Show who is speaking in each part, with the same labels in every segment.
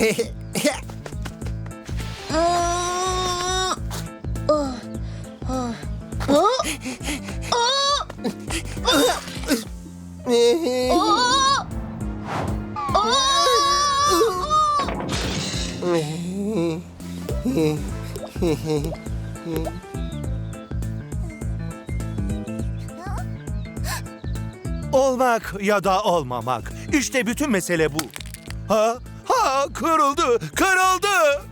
Speaker 1: Olmak ya da olmamak. İşte bütün mesele bu. Kırıldı, kırıldı.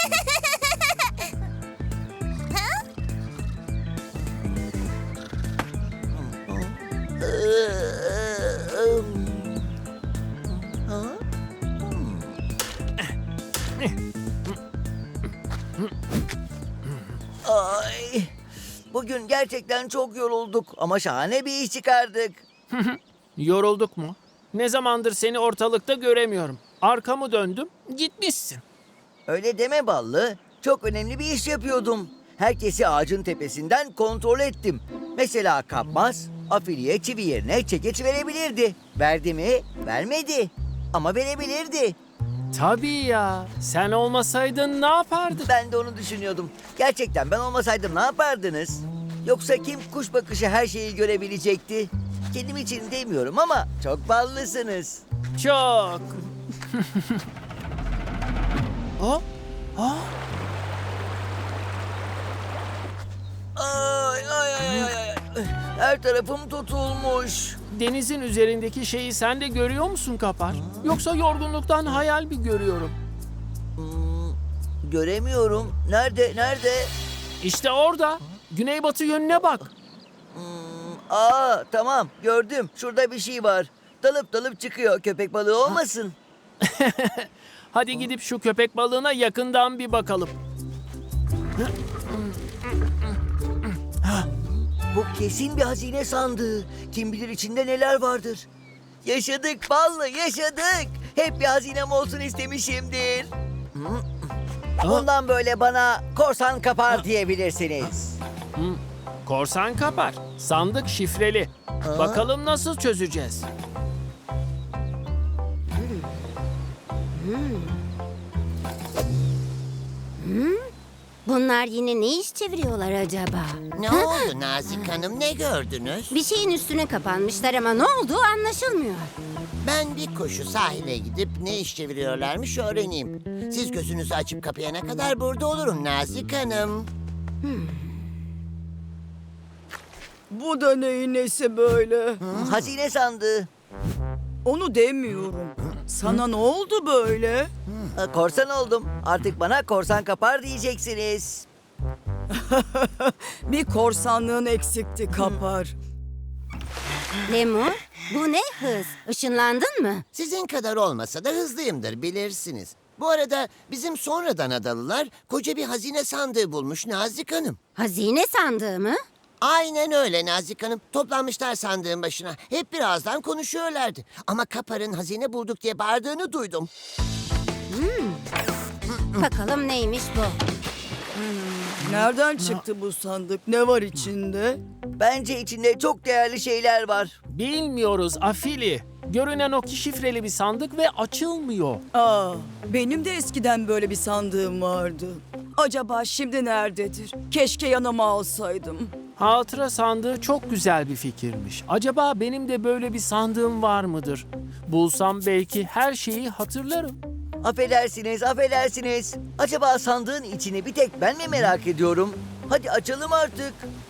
Speaker 2: Ay, bugün gerçekten çok yorulduk ama şahane bir iş çıkardık.
Speaker 3: Yorulduk mu? Ne zamandır seni ortalıkta göremiyorum. Arkamı döndüm, gitmişsin.
Speaker 2: Öyle deme Ballı. Çok önemli bir iş yapıyordum. Herkesi ağacın tepesinden kontrol ettim. Mesela kapmaz, afiliye çivi yerine çekeç verebilirdi. Verdi mi? Vermedi. Ama verebilirdi.
Speaker 3: Tabii ya, sen olmasaydın ne yapardın?
Speaker 2: Ben de onu düşünüyordum. Gerçekten ben olmasaydım ne yapardınız? Yoksa kim kuş bakışı her şeyi görebilecekti? Kendim için demiyorum ama çok ballısınız.
Speaker 3: Çok.
Speaker 2: Ay ay ay ay ay. Her tarafım tutulmuş.
Speaker 3: Denizin üzerindeki şeyi sen de görüyor musun Kapar? Yoksa yorgunluktan hayal mi görüyorum?
Speaker 2: Göremiyorum. Nerede? Nerede?
Speaker 3: İşte orada. Güneybatı yönüne bak.
Speaker 2: Tamam gördüm. Şurada bir şey var. Dalıp dalıp çıkıyor. Köpek balığı olmasın.
Speaker 3: Hadi gidip şu köpek balığına yakından bir bakalım.
Speaker 2: Bu kesin bir hazine sandığı. Kim bilir içinde neler vardır. Yaşadık Ballı, yaşadık. Hep bir hazinem olsun istemişimdir. Bundan böyle bana korsan kapar diyebilirsiniz.
Speaker 3: Korsan Kapar. Sandık şifreli. Bakalım nasıl çözeceğiz?
Speaker 4: Bunlar yine ne iş çeviriyorlar acaba?
Speaker 5: Ne oldu Nazik Hanım, ne gördünüz?
Speaker 4: Bir şeyin üstüne kapanmışlar ama ne olduğu anlaşılmıyor.
Speaker 5: Ben bir koşu sahile gidip ne iş çeviriyorlarmış öğreneyim. Siz gözünüzü açıp kapayana kadar burada olurum Nazik Hanım.
Speaker 6: Bu da neyin nesi böyle?
Speaker 2: Hazine sandığı.
Speaker 6: Onu demiyorum. Sana ne oldu böyle?
Speaker 2: Korsan oldum. Artık bana korsan kapar diyeceksiniz.
Speaker 6: Bir korsanlığın eksikti Kapar.
Speaker 4: Lemur, bu ne hız? Işınlandın mı?
Speaker 5: Sizin kadar olmasa da hızlıyımdır bilirsiniz. Bu arada bizim sonradan adalılar koca bir hazine sandığı bulmuş Nazik Hanım.
Speaker 4: Hazine sandığı mı?
Speaker 5: Aynen öyle Nazik Hanım. Toplanmışlar sandığın başına. Hep birazdan konuşuyorlardı. Ama Kapar'ın hazine bulduk diye bağırdığını duydum.
Speaker 4: Bakalım neymiş bu?
Speaker 6: Nereden çıktı bu sandık? Ne var içinde?
Speaker 2: Bence içinde çok değerli şeyler var.
Speaker 3: Bilmiyoruz Afili. Görünen o ki şifreli bir sandık ve açılmıyor.
Speaker 6: Benim de eskiden böyle bir sandığım vardı. Acaba şimdi nerededir? Keşke yanıma alsaydım.
Speaker 3: Hatıra sandığı çok güzel bir fikirmiş. Acaba benim de böyle bir sandığım var mıdır? Bulsam belki her şeyi hatırlarım.
Speaker 2: Affedersiniz, affedersiniz. Acaba sandığın içini bir tek ben mi merak ediyorum? Hadi açalım artık.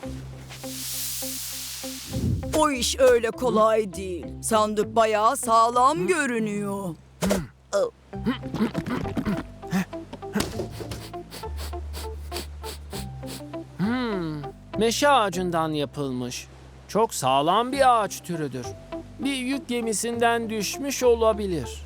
Speaker 6: O iş öyle kolay değil. Sandık bayağı sağlam görünüyor.
Speaker 3: Meşe ağacından yapılmış. Çok sağlam bir ağaç türüdür. Bir yük gemisinden düşmüş olabilir.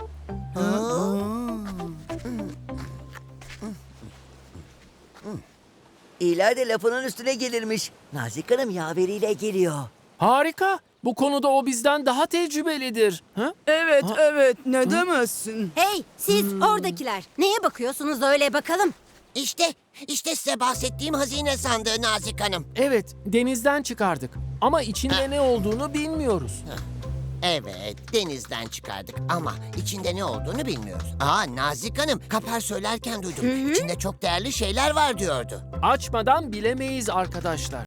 Speaker 2: İyiler de lafının üstüne gelirmiş. Nazik Hanım yaveriyle geliyor.
Speaker 3: Harika. Bu konuda o bizden daha tecrübelidir. Ha?
Speaker 6: Evet, evet. Ne demezsin?
Speaker 4: Hey, siz oradakiler. Neye bakıyorsunuz öyle bakalım?
Speaker 5: İşte size bahsettiğim hazine sandığı Nazik Hanım.
Speaker 3: Evet, denizden çıkardık. Ama içinde ne olduğunu bilmiyoruz.
Speaker 5: Evet, denizden çıkardık ama içinde ne olduğunu bilmiyoruz. Nazik Hanım, Kapar söylerken duydum. İçinde çok değerli şeyler var diyordu.
Speaker 3: Açmadan bilemeyiz arkadaşlar.